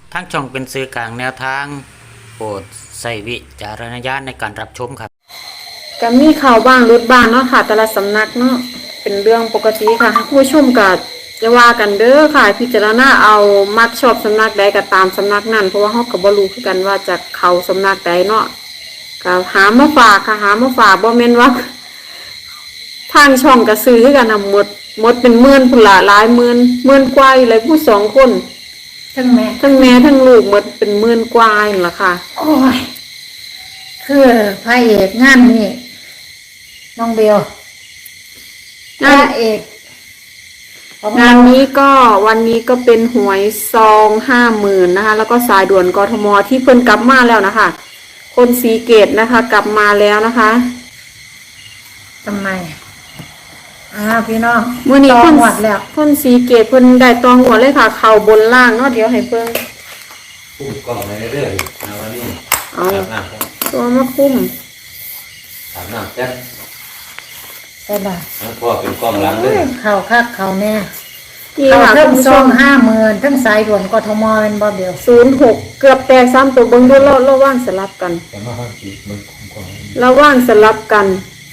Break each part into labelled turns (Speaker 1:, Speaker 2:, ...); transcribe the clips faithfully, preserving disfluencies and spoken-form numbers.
Speaker 1: ทั้งช่องเป็นสื่อกลางแนวทางโปรดใส่วิจารณญาณในการรับชมครับ
Speaker 2: ก็มีข่าวบ้างรุดบ้างเนาะค่ะแต่ละสำนักเนาะเป็นเรื่องปกติค่ะผู้ชมก็จะว่ากันเด้อค่ะพิจารณาเอามักชอบสำนักใดก็ตามสำนักนั้นเพราะว่าเฮาก็บ่รู้คือกันว่าจะเข้าสำนักใดเนาะก็หามาฝากค่ะหามาฝากบ่แม่นว่าทางช่องก็ซื้อคือกันน่ะหมดหมดเป็นหมื่นพุ่นละหลายหมื่นหมื่นกว่าเลยผู้สองคน
Speaker 3: ทั้งแม่
Speaker 2: ทั้งแม่ทั้งลูกหมดเป็นหมื่นกว่านั่นล่ะค่ะ
Speaker 3: โอ้ยคือพระเอกงานนี่น้องเบลพระเอก
Speaker 2: งานนี้ก็วันนี้ก็เป็นหวยซองห้าหมื่นนะคะแล้วก็สายด่วนกทมที่เพิ่นกลับมาแล้วนะคะคนสีเกตนะคะกลับมาแล้วนะคะ
Speaker 3: ทำไมอ้าวพี่น้อง
Speaker 2: มื้อนี้
Speaker 3: เพิ่
Speaker 2: น
Speaker 3: หมดแล้ว
Speaker 2: คนสีเกตเพิ่นได้ตองหัวเลยค่ะเข่าบนล่างเนาะเดี๋ยวให้เพิ่ง
Speaker 1: คุ้มกล้องในเรื่องนะวันนี้
Speaker 2: เอาตัวมาคุ้ม
Speaker 1: ถามหน้าแจ๊ค
Speaker 3: ใช่ป่ะ
Speaker 1: พ่อเป็นกล้องหลังเลย
Speaker 3: เข่าคักเข่าแน่เข่าทั้งซองห้าหมื่นทั้งสายด่วนกทมเป็นบ่เบล
Speaker 2: ศูนย์หกเกือบแตกซ้ำตัวเบิ้งด้วยเราเราว่างสลับกันเราว่างสลับกัน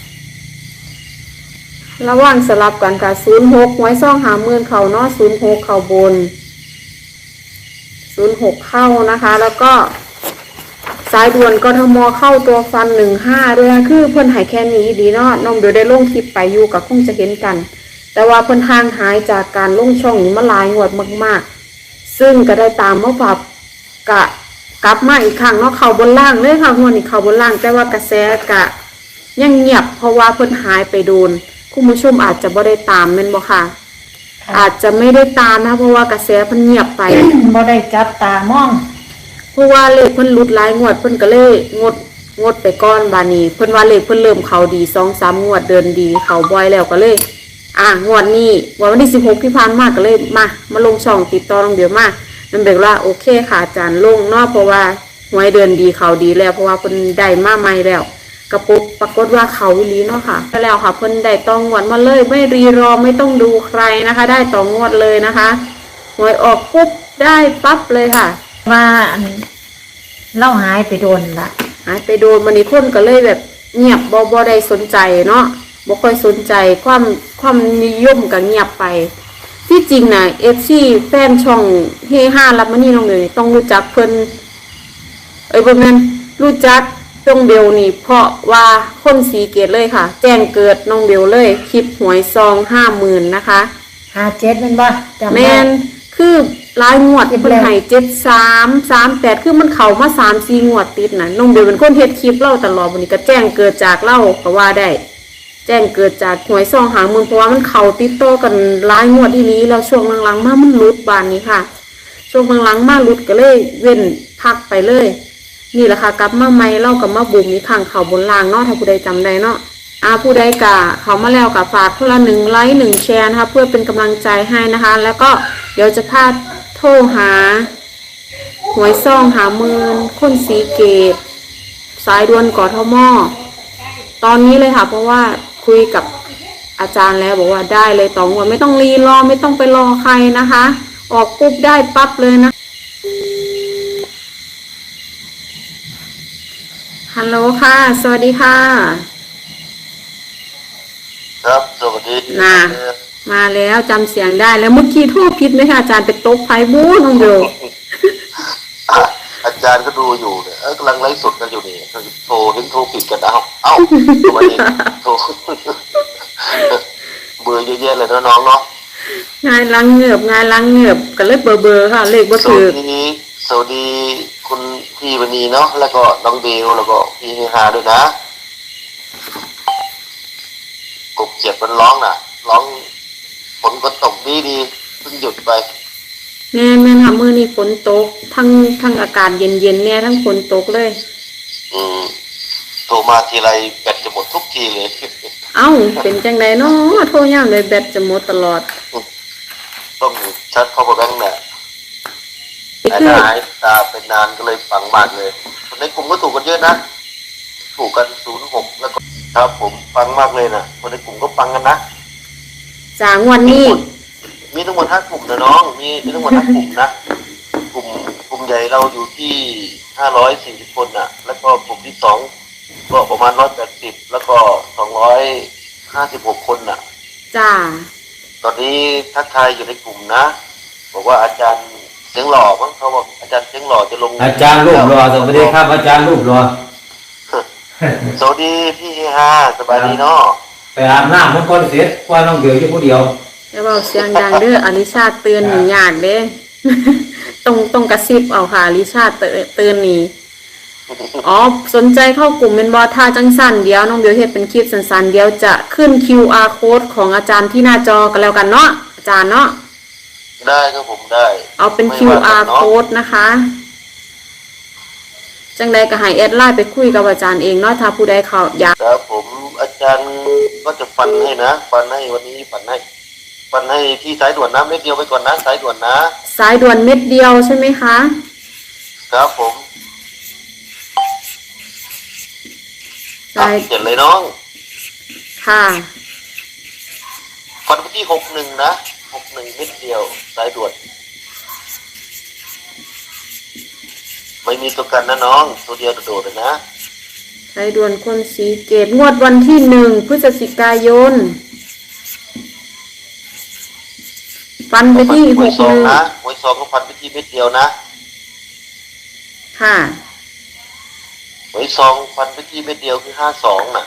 Speaker 2: ระว่างสลับกันค่ะศูนย์หกไว้ซ่องหาหมื่นเข่าเนาะศูนย์หกเข่าบนศูนย์หกเข้านะคะแล้วก็สายด่วนกทมเข้าตัวฟันหนึ่งห้าด้วยนะคือเพิ่นหายแค่นี้ดีเนาะน้องเดี๋ยวได้ลงคลิปไปอยู่กับคงจะเห็นกันแต่ว่าเพิ่นทางหายจากการลงช่องนี้มาหลายงวดมากๆซึ่งก็ได้ตามมาปรับกะกลับมาอีกครั้งเนาะเข่าบนล่างเลยค่ะงวดนี้เข่าบนล่างแต่ว่ากระแสกะยังเงียบเพราะว่าเพิ่นหายไปโดนคุณผู้ชมอาจจะบ่ได้ตามแม่นบ่ค่ะอาจจะไม่ได้ตามนะเพราะว่ากระแสเพิ่นเงียบไป
Speaker 3: บ่ได้จับตามอง
Speaker 2: เพราะว่าเลขเพิ่นหลุดหลายงวดเพิ่นก็เลยงดงดไปก่อนบาดนี้เพิ่นว่าเลขเพิ่นเริ่มเข้าดี สองสาม งวดเดินดีเข้าบ่อยแล้วก็เลยอ่ะงวดนี้วันที่สิบหกที่ผ่านมาก็เลยมามาลงช่องติดต่อน้องเดี๋ยวมานั่นแปลว่าโอเคค่ะอาจารย์ลงเนาะเพราะว่าหวยเดินดีเข้าดีแล้วเพราะว่าเพิ่นได้มาใหม่แล้วกระปุกปรากฏว่าเขาวิลีเนาะค่ะแล้วค่ะเพิ่นได้ตองงวดมาเลยไม่รีรอไม่ต้องดูใครนะคะได้ตองงวดเลยนะคะหวยออกปุ๊บได้ปั๊บเลยค่ะ
Speaker 3: ว่าเล่าหายไปโดนละ
Speaker 2: หายไปโดนมันนี่คนก็เลยแบบเงียบบ่บ่ได้สนใจเนาะบ่ค่อยสนใจความความนิยมก็เงียบไปที่จริงน่ะ เอฟ ซี แฟนช่องเฮฮารับมานี่น้องเลยต้องรู้จักเพิ่นเอ้ยบ่แม่นรู้จักน้องเบลนี่เพราะว่าคนสีเกตเลยค่ะแจ้งเกิดน้องเบลเลยคลิปหวยซองห้าหมื่นนะคะ
Speaker 3: ห้าเจ็ดเป็นบ่
Speaker 2: แม่นคือรายงวดเพิ่นให้เจ็ดสามสามแปดคือมันเข้ามาสามสี่งวดติดน่ะน้องเบลเป็นคนเฮ็ดคลิปเล่าตลอดวันนี้ก็แจ้งเกิดจากเล่าก็ว่าได้แจ้งเกิดจากหวยซองหาหมื่นเพราะว่ามันเข้าติดต่อกันรายงวดอีหลีแล้วช่วงหลังๆมามันหลุดบานนี้ค่ะช่วงหลังๆมาหลุดก็เลยเว้นพักไปเลยนี่แหละค่ะกลับมาใหม่เล่ากับมาบุ๋มนี่ข้างเขาบนล่างเนาะถ้าผู้ใดจำได้เนาะอาผู้ใดกะเขามาแล้วกับฝากคนละหนึ่งไลค์หนึ่งแชร์นะคะเพื่อเป็นกำลังใจให้นะคะแล้วก็เดี๋ยวจะพาโทรหาหวยซ่องหาหมื่นคนสีเกตสายด่วนกทมตอนนี้เลยค่ะเพราะว่าคุยกับอาจารย์แล้วบอกว่าได้เลยต่องวดไม่ต้องรีรอไม่ต้องไปรอใครนะคะออกปุ๊บได้ปั๊บเลยนะฮัลโหลค่ะสวัสดีค่ะ
Speaker 4: ครับสวัสดี
Speaker 2: มามาแล้วจำเสียงได้แล้วเมื่อกี้โทษผิดไหมคะอาจารย์เป็นโต๊ะไพ่บู๊น้องเดียว
Speaker 4: อาจารย์ก็ดูอยู่เนี่ยกำลังไลฟ์สดกันอยู่นี่โทรเห็นโทรผิดกันเอาเอ้าทำไมโทรเบอร์เยอะแยะเลยน้องเนาะ
Speaker 2: งานล้างเงือบงานล้างเงือบกันเลยเบอร์เบอร์ค่ะเลขบ่ถือ
Speaker 4: สวัสดีสวัสดีคุณพี่วันนี้เนาะแล้วก็น้องเบลแล้วก็พี่เฮฮาด้วยนะกบเจ็บมันร้องน่ะร้องฝนก็ตกดีดีเพิ่งหยุดไป
Speaker 2: แม่แม่ทำมือนี่ฝนตกทั้งทั้งอากาศเย็นเย็นเนี่ยทั้งฝนตกเลย
Speaker 4: อืมโทรมาทีไรแบตจะหมดทุกทีเลย
Speaker 2: เอ้าเป็นจังไดเนาะโทรย่ามเลยแบตจะหมดตลอด
Speaker 4: ต้องชัดพอประแบงค์เนี่ยหายตาเป็นนานก็เลยฟังมากเลยคนในกลุ่มก็ถูกกันเยอะนะถูกกันศูนย์หกแล้วก็ครับผมฟังมากเลยนะคนในกลุ่มก็ฟังกันนะ
Speaker 2: จากวันนี้
Speaker 4: มีทั้งหมดห้ากลุ่มนะน้องมีมีทั้งหมดห้ากลุ่มนะกลุ่มกลุ่มใหญ่เราอยู่ที่ห้าร้อยสี่สิบคนน่ะ แล้วก็กลุ่มที่สองก็ประมาณร้อยแปดสิบแล้วก็สองร้อยห้าสิบหกคนน่ะ
Speaker 2: จ้า
Speaker 4: ตอนนี้ทักทายอยู่ในกลุ่มนะบอกว่าอาจารย์เสียงหล่อมั้งเขาบอกอาจารย์เสียงหล่อจะลง
Speaker 5: อาจารย์รูปรอสวัสดีครับอาจารย์รูปรอ
Speaker 4: สวัสดีพี่เฮฮาสบายดีเนาะ
Speaker 5: ไปอาบน้ำมันก่อนเสร็จว่าน้องเดียวอยู่ผู้เดียว
Speaker 2: แล้วเบาเสียงดังเด้ออลิชาเตือนหนียากเด้ ตรงตรงกระซิบเอาค่ะอลิชาเตือนเตือนหนีอ๋อสนใจเข้ากลุ่มเป็นบอท่าจังสันเดียวน้องเบียวเฮ็ดเป็นคลิปสั้นๆเดียวจะขึ้น คิว อาร์ code ของอาจารย์ที่หน้าจอกันแล้วกันเนาะอาจารย์เนาะ
Speaker 4: ได้ครับผมได้
Speaker 2: เอาเป็น
Speaker 4: ไม่
Speaker 2: คิว
Speaker 4: ว่า
Speaker 2: อาร์
Speaker 4: กันเนาะ
Speaker 2: code นะคะ จังใดก็ให้แอดไลน์ไปคุยกับอาจารย์เองเนาะถ้าผู้ใดเขาอยาก
Speaker 4: ครับผมอาจารย์ก็จะฟันให้นะฟันให้วันนี้ฟันให้ฟันให้ที่สายด่วนนะเม็ดเดียวไปก่อนนะสายด่วนนะ
Speaker 2: สายด่วนเม็ดเดียวใช่ไหมคะ
Speaker 4: ครับผม
Speaker 2: สาย
Speaker 4: เขียนเลยน้อง
Speaker 2: ค่ะ
Speaker 4: ฟันไปที่หกหนึ่งนะหกหนึ่งเม็ดเดียวสายด่วนไม่มีตัวกันนะน้องตัวเดียวโดดๆเลยนะ
Speaker 2: สายด่วนคนสีเกตงวดวันที่หนึ่งพฤศจิกายน ฟันไปที่
Speaker 4: ห
Speaker 2: ห
Speaker 4: วย
Speaker 2: ก
Speaker 4: ซอ
Speaker 2: ห
Speaker 4: ง
Speaker 2: นึ่ง
Speaker 4: นะหวยซองก็ฟันไปที่เม็ดเดียวนะ
Speaker 2: ค่ะ
Speaker 4: หวยซองฟันไปที่เม็ดเดียวคือห้าสองน่ะ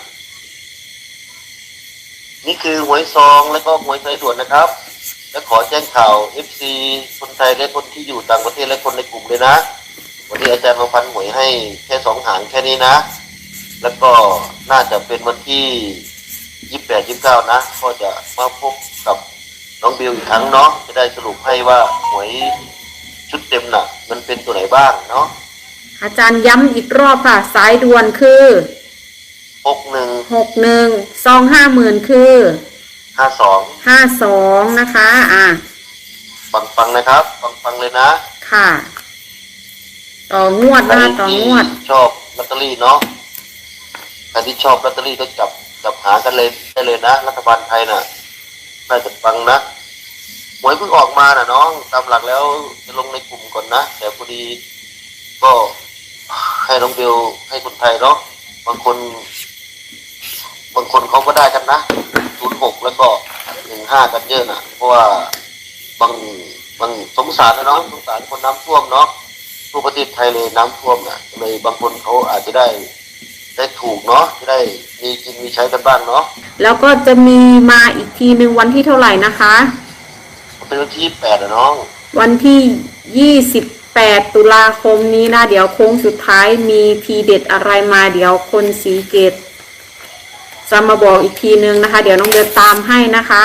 Speaker 4: นี่คือหวยซองแล้วก็หวยสายด่วนนะครับ และขอแจ้งข่าว เอฟ ซี คนไทยและคนที่อยู่ต่างประเทศและคนในกลุ่มเลยนะ วันนี้อาจารย์มาฟันหวยให้แค่สองหางแค่นี้นะ แล้วก็น่าจะเป็นวันที่ยี่สิบแปด ยี่สิบเก้านะ ก็จะมาพบกับน้องบิวอีกครั้งเนาะ จะได้สรุปให้ว่าหวยชุดเต็มน่ะ มันเป็นตัวไหนบ้างเนาะ
Speaker 2: อาจารย์ย้ำอีกรอบค่ะ สายด่วนคือ
Speaker 4: หกหนึ่ง
Speaker 2: หกหนึ่งซองห้าหมื่นคือ
Speaker 4: ห้าสอง
Speaker 2: ห้าสองนะคะ อ่ะ
Speaker 4: ฟังฟังๆนะครับ ฟังฟังๆเลยนะ
Speaker 2: ค่ะ ต่องวด
Speaker 4: ใคร
Speaker 2: นะต่องวด
Speaker 4: ที่ชอบลอตเตอรี่เนาะใครที่ชอบลอตเตอรี่ก็จับจับหากันเลยได้เลยนะรัฐบาลไทยน่ะน่าจะฟังนะหวยเพิ่งออกมาน่ะน้องตามหลักแล้วจะลงในกลุ่มก่อนนะแต่พอดีก็ให้น้องเบลให้คนไทยเนาะบางคน บางคนเขาก็ได้กันนะศูนย์หกแล้วก็หนึ่งห้ากันเยอะน่ะ เพราะว่าบางบางสงสารนะน้องสงสารคนน้ำท่วมเนาะทั่วประเทศไทยเลยน้ำท่วมน่ะเลยบางคนเขาอาจจะได้ได้ถูกเนาะจะได้มีกินมีใช้กันบ้างเนาะ
Speaker 2: แล้วก็จะมีมาอีกทีหนึ่งวันที่เท่าไหร่นะคะ
Speaker 4: เป็นวันที่แปดนะน้อง
Speaker 2: วันที่ยี่สิบแปดตุลาคมนี้นะ เดี๋ยวโค้งสุดท้ายมีทีเด็ดอะไรมาเดี๋ยวคนสีเกตจะมาบอกอีกทีนึงนะคะ เดี๋ยวน้องเดือตามให้นะคะ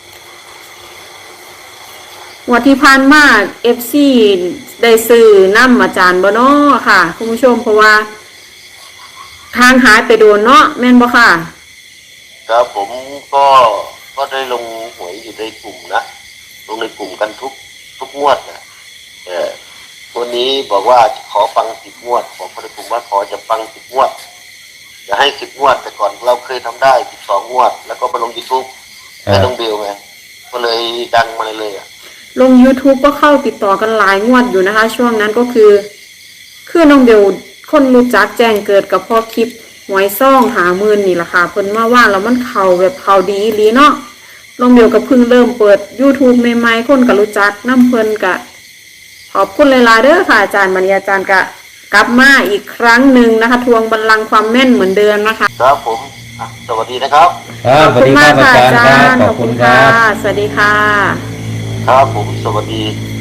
Speaker 2: วันที่ผ่านมาเอฟซีได้ซื้อน้ำอาจารย์บ่เนาะค่ะคุณผู้ชมเพราะว่าทางหายไปโดนเนาะแม่นบ่ค่ะ
Speaker 4: ครับผมก็ก็ได้ลงหวยอยู่ในกลุ่มนะลงในกลุ่มกันทุกทุกงวดนะเออวันนี้บอกว่าขอฟังสิบงวดบอกคนในกลุ่มว่าขอจะฟังสิบงวดจะให้สิบงวดแต่ก่อนเราเคยทำได้สิบสองงวด แล้วก็มาลงยูทูบให้น้องเบลไงก็เลยดังมาเลยอ่ะ
Speaker 2: ลง YouTube ก็เข้าติดต่อกันหลายงวดอยู่นะคะ ช่วงนั้นก็คือ คือน้องเบลคนรู้จักแจ้งเกิดกับพ่อคลิปหวยซ่องหาหมื่นนี่แหละค่ะเพิ่นมาว่าแล้วมันเข่าแบบเข่าดีอีหลีเนาะน้องเบลก็เพิ่งเริ่มเปิด YouTube ใหม่ๆคนก็รู้จักน้ำเพิ่นกะขอบคุณหลายๆเด้อค่ะอาจารย์มณีอาจารย์กะกลับมาอีกครั้งหนึ่งนะคะ ทวงบัลลังก์ความแม่นเหมือนเดิมนะคะ
Speaker 4: ครับผมอ่ะสวัสดีนะครับ
Speaker 5: ครับสวัสดีครับอาจารย์ครับขอบคุณครับ
Speaker 2: สวัสดีค่ะ
Speaker 4: ครับผมสวัสดี